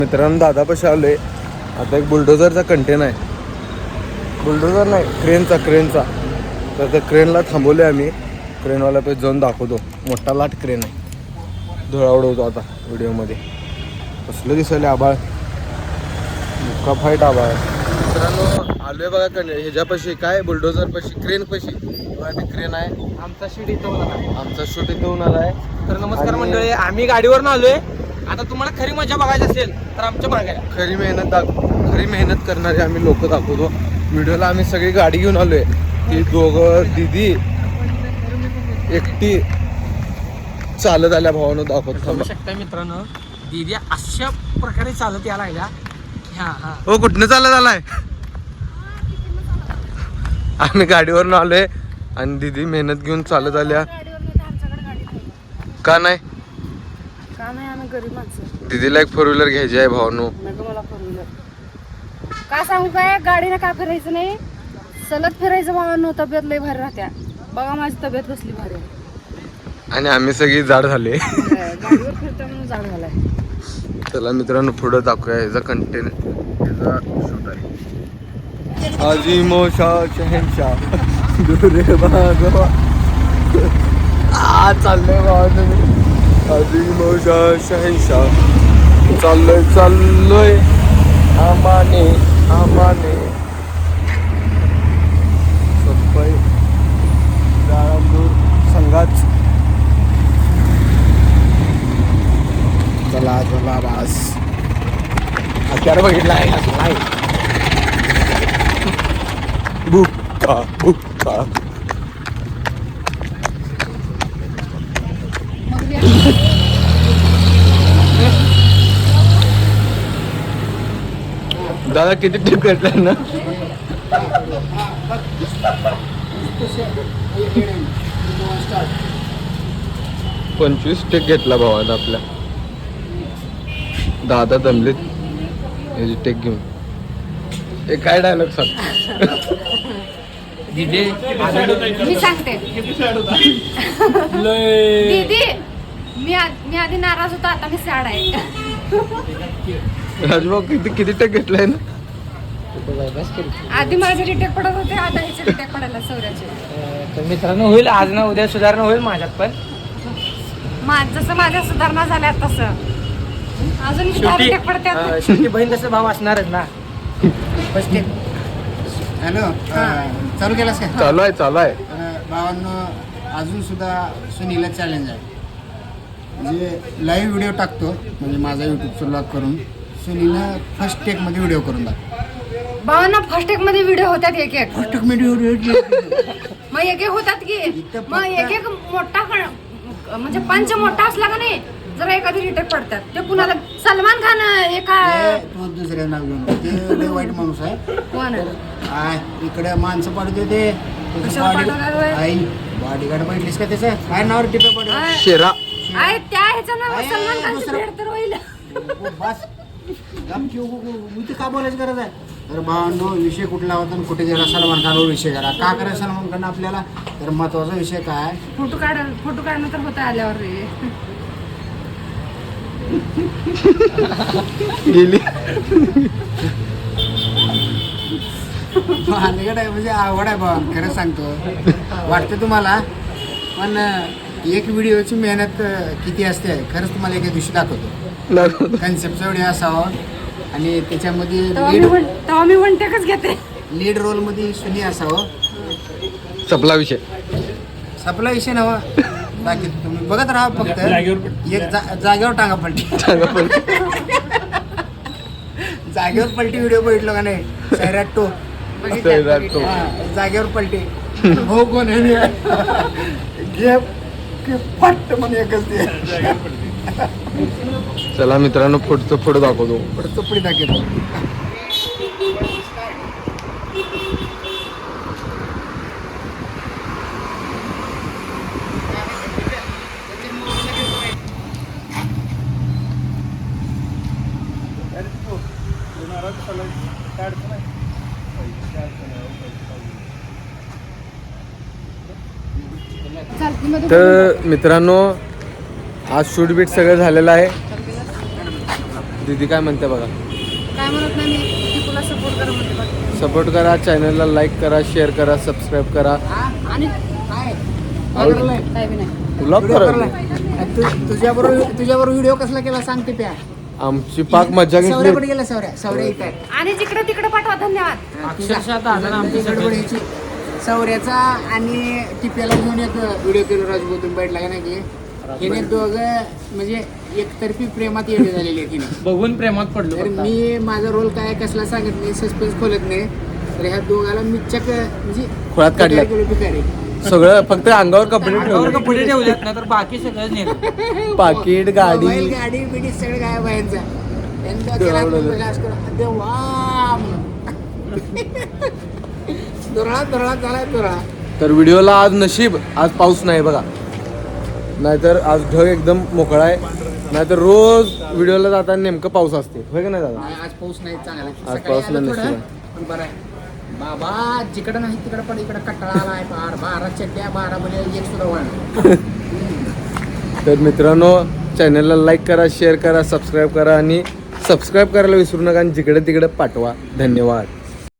मित्रांनो दादापाशी आलोय. आता एक बुलडोझरचा कंटेन आहे. बुलडोझर नाही, क्रेनचा. तर त्या क्रेनला थांबवले आम्ही. क्रेनवाला पे जाऊन दाखवतो. मोठा लाट क्रेन आहे. धुळा उडवतो आता व्हिडिओमध्ये. कसलं दिसले आबाळ, मुक्का फाईट आबाळ. मित्रांनो आलोय बघा ह्याच्यापाशी, काय बुलडोझर पाशी, क्रेन पाशी. क्रेन आहे. आमचा शूट इथं होणार आहे. आमचा शूट इथं होणार आहे. तर नमस्कार मंडळी, आम्ही गाडीवरून आलोय. आता तुम्हाला खरी मजा बघायची असेल तर आमच्या मागे खरी मेहनत करणारे आम्ही लोक दाखवतो व्हिडिओला. आम्ही सगळी गाडी घेऊन आलोय. ती दोघं दिदी एकटी चालत आल्या भावानं दाखवतो. बघू शकता मित्रांनो, दीदी अशा प्रकारे चालत यायला लागल्या. हो, कुठनं चालत आलाय? आम्ही गाडीवरून आलोय आणि दिदी मेहनत घेऊन चालत आल्या. का नाही? आम्ही गरीब माणसं. दीदीला एक 4 व्हीलर घ्यायची आहे भावानो. मला 4 व्हीलर का सांगू, काय गाडीनं का फिरायचं नाही, सलग फिरायचं भावांनो. तब्येत लय भारी राहत्या. बघा माझी तब्येत कसली भारी आहे. आणि आम्ही सगळी जाड झाले. गाडीवर फिरता म्हणून जाड झालाय. चला मित्रांनो पुढं दाखवूया ह्याचा कंटेन, ह्याचा शूट आहे. आजी मोशा शहनशाह दुरे बागवा चाललंय बाबा. आजी मोशा शहनशाह चाललोय आमाने सफाई जाळंदूर संघाच. चला बास. हत्यार बघितला आहे. बुक्का दादा किती टिप घेतलाय ना? 25 टेक घेतला भावानं आपल्या. दादा दमलेत याची टेक घेऊन. हे काय डायलॉग सांग? मी सांगते दीदी, मी आधी नाराज होतो, आता मी सॅड आहे. राजभाऊ किती टेक घेतलाय ना? आधी माझे रिटेक पडत होते, आता ह्याचे रिटेक पडायला सौर्याचे. तर मित्रांनो, होईल आज ना उद्या सुधारणा होईल माझ्यात पण. जसं माझ्या सुधारणा झाल्या तसं अजून रिटेक पडतात. शेवटी बहीण तसं भाव असणारच ना. First take. हॅलो, चालू केलास का? चालू आहे. भावांनो, अजून सुद्धा सुनीला चॅलेंज आहे. म्हणजे लाईव्ह व्हिडिओ टाकतो, म्हणजे माझा यूट्यूबचा ब्लॉग करून सुनीला फर्स्ट टेक मध्ये व्हिडिओ करून टाकतो. भावांना फर्स्ट टेक मध्ये व्हिडिओ होतात एक फर्स्ट टेक मध्ये व्हिडिओ मग एक होतात की, मग एक मोठा म्हणजे पंच मोठा असला का नाही, जरा एखादी रिटेक पडतात. ते कुणाला सलमान खान एका तो दुसऱ्या नाव घेऊन, ते लय वाईट माणूस आहे. कोण इकडे माणसं पाडते ते आई बॉडीगार्ड बैठलीस का? त्याचं काय नाव टिपे पडलं? शेरा आहे त्या ह्याचं नाव सलमान खानचं भेट तर होईल. बस मी का बोलायची गरज आहे? तर भावांनो, विषय कुठला होता आणि कुठे गेला? सलमान खानवर विषय करा. का करायचं सलमान खान आपल्याला? तर महत्वाचा विषय काय? फोटो काढणं तर होतं आल्यावर रे. गेली अलीकडे आहे म्हणजे आवड आहे भावा, खरं सांगतो. वाटतं तुम्हाला, पण एक व्हिडिओची मेहनत किती असते खरंच तुम्हाला एका दिवशी दाखवतो. कन्सेप्टचा व्हिडिओ असावा आणि त्याच्यामध्ये तेव्हा मी वन टेकच घेते. लीड रोलमध्ये सुनी असावं. सपला विषय. सपला विषय नवा. बाकी तुम्ही बघत राहा. फक्त एक जागेवर टांगा पलटी. जागेवर पलटी व्हिडिओ बघितलो का नाही? सैराट टो जागेवर पलटी. हो कोण घे फट म्हणून एकच ते. चला मित्रांनो, पुढं दाखवतो. पुढचं पुढे दाखवतो. तर मित्रांनो, आज शूट बीट सगळं झालेलं आहे. दीदी काय म्हणते बघा. काय म्हणत नाही मी की तुला सपोर्ट करा म्हणते बाकी. सपोर्ट करा, चॅनलला लाईक करा, शेअर करा, सबस्क्राईब करा. आणि काय आवड- करलाय? काय बी नाही. ब्लॉग व्हिडिओ करा. करलाय? तुझ्याबरोबर व्हिडिओ कसला केला सांग ते प्या. आमची पाक मजा घेतली. सौर्याकडे गेला सौर्या इथं आहे. आणि जिकडे तिकडे पाठवा. धन्यवाद. अक्षरशः दादा आमची गडबडीची सौर्याचा आणि टिप्याला घेऊन एक व्हिडिओ केलो राजगोतून बैठला का नाही की हिने दोघं म्हणजे एकतर्फी प्रेमात येणे झालेली आहे तिने. बघून प्रेमात पडलो तर फक्त. मी माझा रोल काय कसला सांगत नाही, सस्पेन्स खोलत नाही. तर ह्या दोघाला मी चक म्हणजे खोळात काढलं. पिकारी. सगळं फक्त अंगावर कपडे अंगावर ठेवले. कपडे ठेवलेत ना तर बाकी सगळं नेलं. पाकिट, गाडी. मोबाईल, गाडी बिडी सगळं गायब आहे यांचा. यांचा केला असं करून, देवा दुरळा झालाय दुरळा. तर व्हिडिओला आज नशीब आज पाऊस नाही बघा, नाहीतर आज ढग एकदम मोकळा आहे. नाहीतर रोज व्हिडिओला जाताना नेमकं पाऊस असते, होय का नाही दादा? आज पाऊस नाही चांगला. आज सकाळी पाऊस आलं नाही थोडं, नसतं. पण बरं आहे बाबा. जिकडं नाही तिकडं पण इकडं कटाळा आलाय. 12 चड्ड्या 12 मध्ये एक सुद्धा वळण. तर मित्रांनो, चॅनलला लाईक करा, शेअर करा, सबस्क्राईब करा आणि सबस्क्राईब करायला विसरू नका आणि जिकडे तिकडे पाठवा. धन्यवाद.